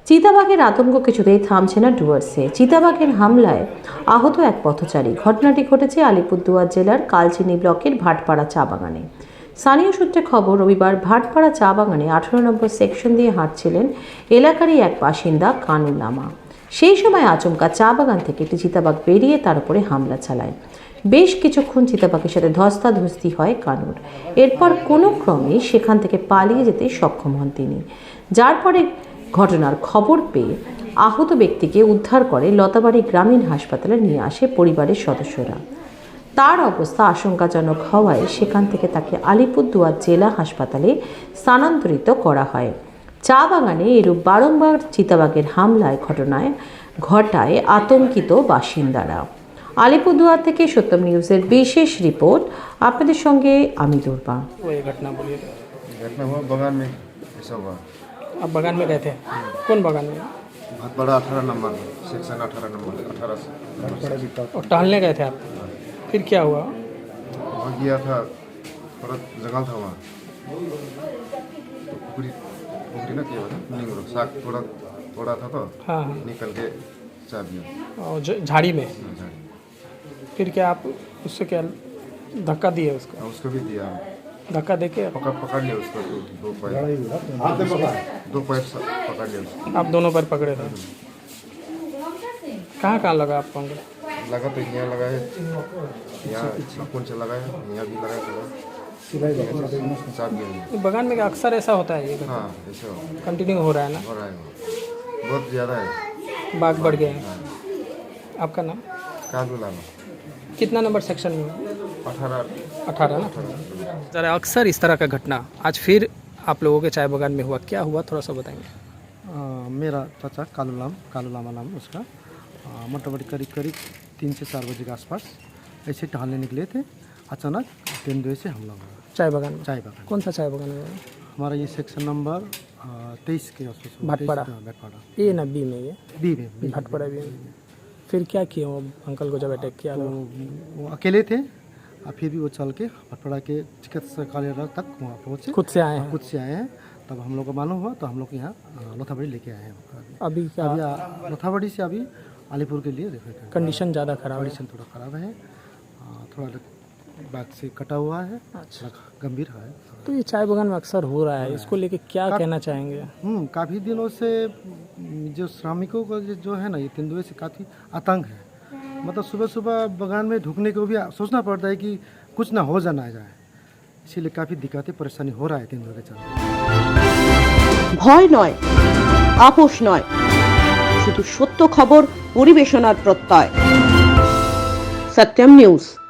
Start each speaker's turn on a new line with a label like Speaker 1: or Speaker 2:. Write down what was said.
Speaker 1: চিতাবাঘের আতঙ্ক কিছুতেই থামছে না ডুয়ার্সে। চিতাবাঘের হামলায় আহত এক পথচারী। ঘটনাটি ঘটেছে আলিপুরদুয়ার জেলার কালচিনি ব্লকের ভাটপাড়া চা বাগানে। স্থানীয় সূত্রে খবর, রবিবার ভাটপাড়া চা বাগানে 18 নম্বর সেকশন দিয়ে হাঁটছিলেন এলাকারই এক বাসিন্দা কানু লামা। সেই সময় আচমকা চা বাগান থেকে একটি চিতাবাঘ বেরিয়ে তার উপরে হামলা চালায়। বেশ কিছুক্ষণ চিতাবাঘের সাথে ধস্তাধস্তি হয় কানুর। এরপর কোনো ক্রমে সেখান থেকে পালিয়ে যেতে সক্ষম হন তিনি, যার পরে ঘটনার খবর পেয়ে আহত ব্যক্তিকে উদ্ধার করে লতাবাড়ি গ্রামীণ হাসপাতালে নিয়ে আসে পরিবারের সদস্যরা। তার অবস্থা আশঙ্কাজনক হওয়ায় সেখান থেকে তাকে আলিপুরদুয়ার জেলা হাসপাতালে স্থানান্তরিত করা হয়। চা বাগানে এরূপ বারংবার চিতাবাঘের হামলায় ঘটায় আতঙ্কিত বাসিন্দারা। আলিপুরদুয়ার থেকে সত্যম নিউজের বিশেষ রিপোর্ট, আপনাদের সঙ্গে আমি দুর্বা।
Speaker 2: घटना बोलिए।
Speaker 3: घटना हुआ बगान में ऐसा हुआ।
Speaker 2: आप बगान में गए थे? कौन बगान में?
Speaker 3: भाटपाड़ा 18 नंबर सेक्शन 18 नंबर 18 से
Speaker 2: और टहलने गए थे आप? फिर क्या हुआ?
Speaker 3: वहाँ गया था, थोड़ा जंगल था वहाँ, तो पुखरी ना किया था नींग रो साग थोड़ा था तो
Speaker 2: हाँ
Speaker 3: निकल के चा दिया
Speaker 2: और झाड़ी में।
Speaker 3: झाड़ी।
Speaker 2: फिर क्या आप उससे क्या धक्का दिए उसको?
Speaker 3: उसको भी दिया,
Speaker 2: धक्का दे के
Speaker 3: पकड़ लिया उसको, दो पैर पकड़ लिया उसको।
Speaker 2: आप दोनों पैर पकड़े थे? कहाँ लगा आपको अंकल?
Speaker 3: लगा तो यहाँ लगा है, यहाँ नाखून से लगा है, यहाँ भी लगा है, चाप गया।
Speaker 2: बगान में अक्सर ऐसा होता है? ये
Speaker 3: हाँ ऐसा
Speaker 2: कंटिन्यू हो रहा है ना?
Speaker 3: हो रहा है, बहुत ज़्यादा है।
Speaker 2: बाघ बढ़ गए हैं। आपका नाम?
Speaker 3: कालू लामा।
Speaker 2: कितना नंबर सेक्शन में? 18 ना? ज़रा अक्सर इस तरह का घटना आज फिर आप लोगों के चाय बागान में हुआ, क्या हुआ थोड़ा सा बताएंगे?
Speaker 4: मेरा चाचा कालू लामा नाम उसका, मोटामोटी करीब 3 से 4 बजे के आसपास ऐसे टहलने निकले थे। अचानक तेंदुए से हमला हुआ
Speaker 2: चाय बागान में?
Speaker 4: चाय बागान।
Speaker 2: कौन सा चाय बागान है?
Speaker 4: हमारा ये सेक्शन नंबर 23 के आसपास।
Speaker 2: भाटपाड़ा?
Speaker 4: भाटपाड़ा
Speaker 2: ए ना बी में? ये
Speaker 4: बी में
Speaker 2: भाटपाड़ा बी में। फिर क्या किए वो अंकल को जब अटैक किया?
Speaker 4: तो वो अकेले थे, और फिर भी वो चल के भाटपाड़ा के चिकित्सालय तक वहाँ पहुँचे।
Speaker 2: खुद से आए हैं?
Speaker 4: खुद से आए हैं। तब हम लोग को मालूम हुआ तो हम लोग यहाँ लोथाबड़ी लेके आए हैं।
Speaker 2: अभी क्या
Speaker 4: अभी लोथाबड़ी से अभी अलीपुर के लिए रेफर कर।
Speaker 2: कंडीशन ज़्यादा खराब है?
Speaker 4: कंडीशन थोड़ा ख़राब है, थोड़ा बाग से कटा हुआ है।
Speaker 2: अच्छा,
Speaker 4: गंभीर है।
Speaker 2: तो ये चाय बागान में अक्सर हो रहा है, इसको लेके क्या कहना चाहेंगे?
Speaker 4: काफ़ी दिनों से जो श्रमिकों का जो है ना, ये तेंदुए से काफ़ी आतंक है। मतलब सुबह सुबह बागान में ढुकने को भी सोचना पड़ता है कि कुछ ना हो जाना जाए, इसीलिए काफ़ी दिक्कतें परेशानी हो रहा है तेंदुए के चलते।
Speaker 5: ভয় নয়, আপোষ নয়, শুধু সত্য খবর পরিবেশনার প্রত্যয়। সত্যম নিউজ।